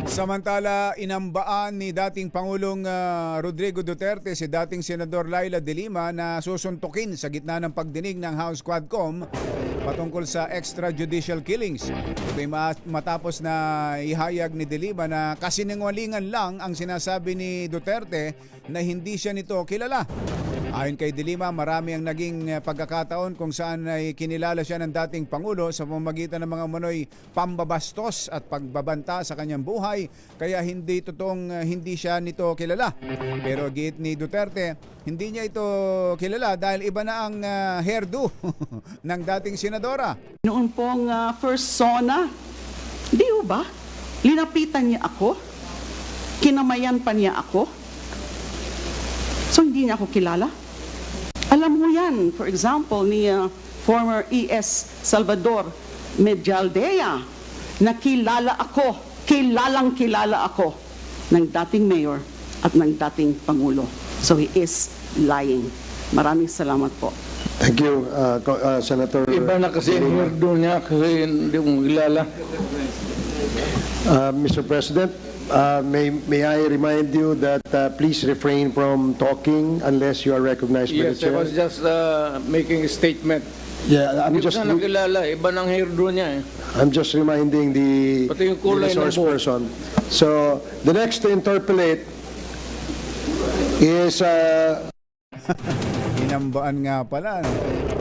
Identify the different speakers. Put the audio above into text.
Speaker 1: Samantala, inambaan ni dating Pangulong Rodrigo Duterte si dating Senador Laila De Lima na susuntukin sa gitna ng pagdinig ng House Quadcom patungkol sa extrajudicial killings. Ito'y matapos na ihayag ni De Lima na kasinungalingan lang ang sinasabi ni Duterte na hindi siya nito kilala. Ayon kay De Lima, marami ang naging pagkakataon kung saan ay kinilala siya ng dating Pangulo sa pamamagitan ng mga umano'y pambabastos at pagbabanta sa kanyang buhay, kaya hindi totoong hindi siya nito kilala. Pero giit ni Duterte, hindi niya ito kilala dahil iba na ang hairdo ng dating senadora.
Speaker 2: Noon pong first SONA, di ba? Linapitan niya ako, kinamayan pa niya ako, so hindi niya ako kilala. Alam mo yan, for example, ni former ES Salvador Medialdea, na kilalang kilala ako ng dating mayor at ng dating Pangulo. So he is lying. Maraming salamat po.
Speaker 3: Thank you, Senator.
Speaker 4: Iba na kasi ang hirdo niya kasi hindi mo kilala.
Speaker 3: Mr. President, may I remind you that please refrain from talking unless you are recognized by the
Speaker 4: Yes, I
Speaker 3: chair.
Speaker 4: was just making a statement.
Speaker 3: Yeah,
Speaker 4: Hindi ko siya nakilala. Iba ng hirdo niya eh.
Speaker 3: I'm just reminding the
Speaker 4: Pati yung kulay ng
Speaker 3: resource
Speaker 4: buhok.
Speaker 3: person. So the next to interpolate is
Speaker 1: Inambaan nga pala.